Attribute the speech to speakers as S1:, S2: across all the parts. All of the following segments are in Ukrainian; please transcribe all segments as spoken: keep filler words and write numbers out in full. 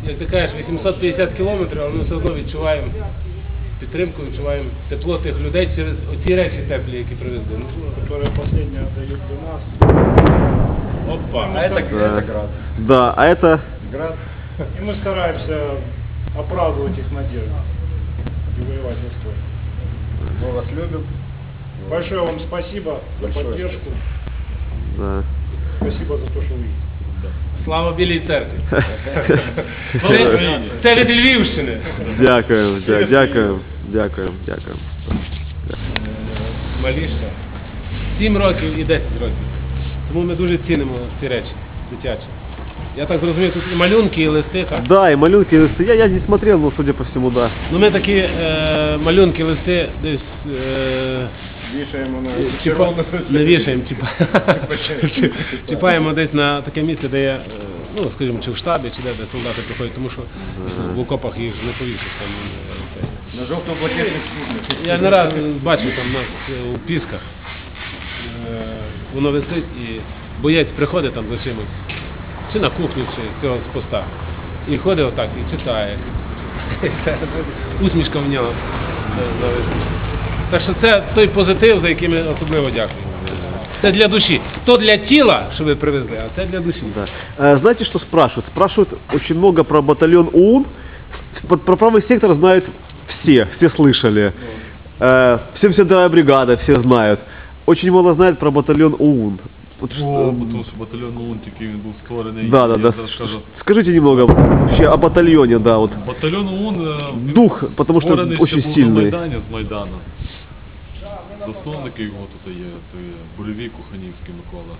S1: як ти кажеш, вісімсот п'ятдесят кілометрів, але ми все одно відчуваємо підтримку, відчуваємо тепло тих людей через оці речі теплі, які привезли.
S2: Которые последние отдают до нас.
S1: Опа,
S2: А это,
S3: Да.
S2: это град.
S3: Да, а это...
S2: Град. И мы стараемся оправдывать их надежды и воевать достойно.
S4: Мы вас любим.
S2: Большое вам спасибо за
S4: Большое
S2: поддержку.
S3: Да.
S2: Спасибо за то, что вы есть.
S1: Слава Білій церкві. Це, це від Львівщини.
S3: Дякуємо, дя- дякуємо, дякуємо, дякуємо.
S1: Малішка. сім років і десять років. Тому ми дуже цінимо ці речі дитячі. Я так зрозумів, тут і малюнки, і листи, так?
S3: Да, и малюнки, и листы. Я, я не смотрел, но судя по всему, да.
S1: Ну ми такі е, малюнки, листи десь е,
S4: Вішаємо на
S1: чіпа... не вішаємо, чіпа... чіпаємо десь на таке місце, де є, е, ну скажімо, чи в штабі, чи де, де солдати приходять, тому що в окопах їх не повісиш там. е, це.
S4: На жовто-блакитних суднах.
S1: Я не раз бачив там у нас е, у Пісках, е, воно висить і боєць приходить там за чимось, чи на кухню, чи з цього з поста, і ходить отак і читає. Усмішка в нього зависить. Так що це той позитив, за який ми особливо дякуємо. Це для душі. То для тіла, що ви привезли, а це для душі.
S3: Да. А, знаете, что спрашивают? Спрашивают очень много про батальон ОУН. Про, про правый сектор знают все, все слышали. Э, семьдесят вторая бригада, все знают. Очень мало знают про батальон ОУН. Вот
S5: О,
S3: что-
S5: тому що батальйон ОУН тільки він був створений.
S3: Да, да,
S5: я
S3: да.
S5: зараз скажу.
S3: Скажите немного вообще о батальоне, да, вот.
S5: Батальйон ОУН е, він
S3: Дух, потому что
S5: створений ще
S3: очень
S5: був
S3: сильный.
S5: на Майдані, з Майдану. Засновники його тут є, це Буревій Куханівський Микола,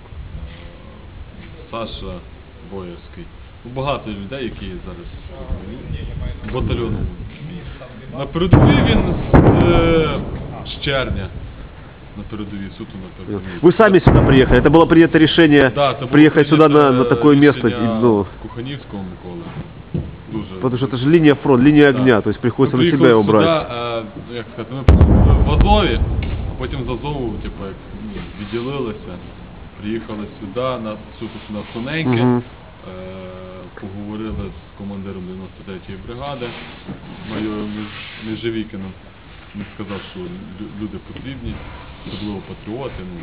S5: е, Саша Боярський. Ну, багато людей, які зараз батальйон ОУН. На передовій він е, з червня. На передовій, суто на передовій.
S3: Вы сами сюда приехали. Это было принято решение
S5: Да, це було
S3: приехать сюда на,
S5: прийнято
S3: на такое место.
S5: рішення
S3: и, ну,
S5: Куханівського Миколи. Дуже.
S3: потому что это же линия фронта, линия
S5: Да.
S3: огня, то есть приходится
S5: Ми
S3: на себя его
S5: приїхали
S3: брать.
S5: сюди, е, як сказати, ми були в Азові, а потім з Азову, типу, як ну, відділилися, приїхали сюди, нас суто сюди в Тоненьке,
S3: Мгм.
S5: е, поговорили з командиром дев'яносто третьої бригади, майором Меж- Межевікином. Він сказав, що лю- люди потрібні, особливо патріоти. Ну,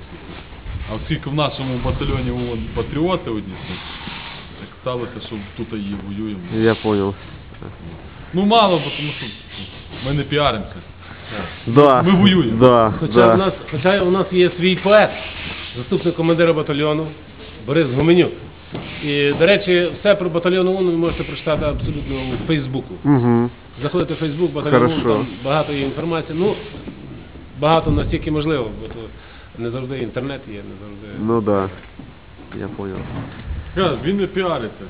S5: а оскільки в нашому батальйоні от, патріоти одні, то так сталося, що тут і воюємо.
S3: Я понял.
S5: Ну мало, бо тому що ми не піаримося.
S3: Да.
S5: Ми воюємо.
S3: Да,
S1: Хоча,
S3: да.
S1: у нас, хоча у нас є свій поет, заступник командира батальйону Борис Гуменюк. І, до речі, все про батальйон ОУН ви можете прочитати абсолютно у Фейсбуку.
S3: Мгм.
S1: Заходите в Фейсбук, батальйон ОУН,
S3: Хорошо.
S1: там багато є інформації. Ну, багато настільки можливо, бо то не завжди інтернет є, не завжди.
S3: Ну да. Я понял.
S5: Кажу, він не піариться.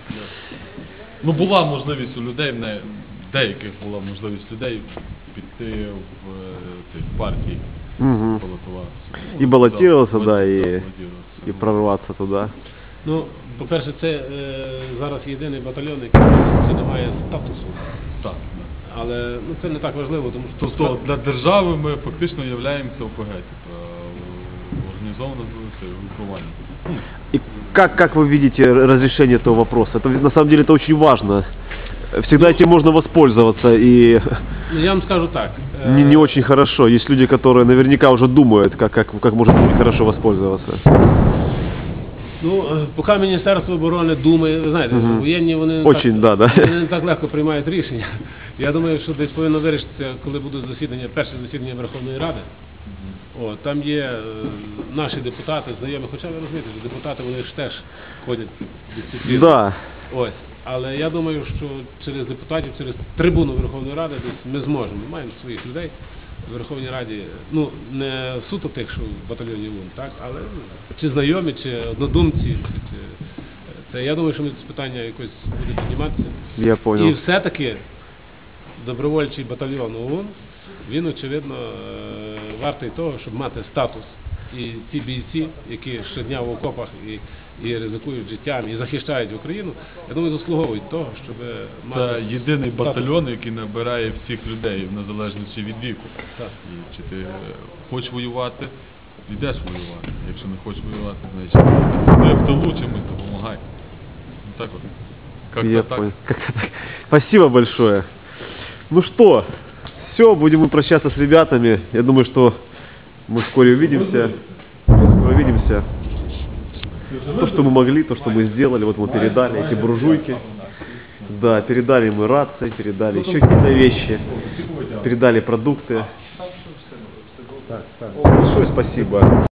S5: Ну була можливість у людей, в не- деяких була можливість людей піти в е, цих партій,
S3: Мгм.
S5: балотуватися.
S3: І балотуватися,
S5: Ну,
S3: да, і-
S5: балотуватися.
S3: И прорваться туда.
S1: Ну, по-перше, це е, зараз єдиний батальйон, який не має статусу.
S5: Так, да.
S1: Але ну, це не так важливо, тому що
S5: Тобто для держави ми фактично являємося ОПГ, типу, організоване групування.
S3: И как, как вы видите разрешение этого вопроса? Это ведь на самом деле это очень важно. Всегда этим можно воспользоваться, и
S1: Ну, я вам скажу так. е,
S3: не, не очень хорошо. Есть люди, которые наверняка уже думают, как, как, как можно очень хорошо воспользоваться.
S1: Ну, е, поки Міністерство оборони думає, ви знаєте,
S3: Мгм.
S1: воєнні вони не,
S3: Очень,
S1: так,
S3: да, да.
S1: вони не так легко приймають рішення. Я думаю, що десь повинно вирішитися, коли будуть засідання, перше засідання Верховної Ради. О, там є е, наші депутати, знайомі, хоча ви розумієте, що депутати вони ж теж ходять дисципліну.
S3: Да.
S1: Ось. Але я думаю, що через депутатів, через трибуну Верховної Ради десь ми зможемо. Ми маємо своїх людей в Верховній Раді, ну, не суто тих, що в батальйоні ОУН, так, але чи знайомі, чи однодумці, чи, це, я думаю, що ми це питання якось буде підніматися.
S3: Я понял.
S1: І все-таки добровольчий батальйон ОУН, він, очевидно, е, вартий того, щоб мати статус. І ті бійці, які щодня в окопах і, і ризикують життям, і захищають Україну, я думаю, заслуговують того, щоб мати
S5: Це єдиний
S1: статус.
S5: батальйон, який набирає всіх людей, в незалежності від віку.
S1: Так.
S5: І чи ти е, хочеш воювати, йдеш воювати. Якщо не хочеш воювати, значить ти в тилу чимось допомагай. Ну, так от. Как-то
S3: Я
S5: так.
S3: понял. Как-то так. Спасибо большое. Ну что, все, будем мы прощаться с ребятами. Я думаю, что мы вскоре увидимся. Скоро увидимся. То, что мы могли, то, что мы сделали, вот мы передали эти буржуйки. Да, передали мы рации, передали еще какие-то вещи, передали продукты. Большое спасибо.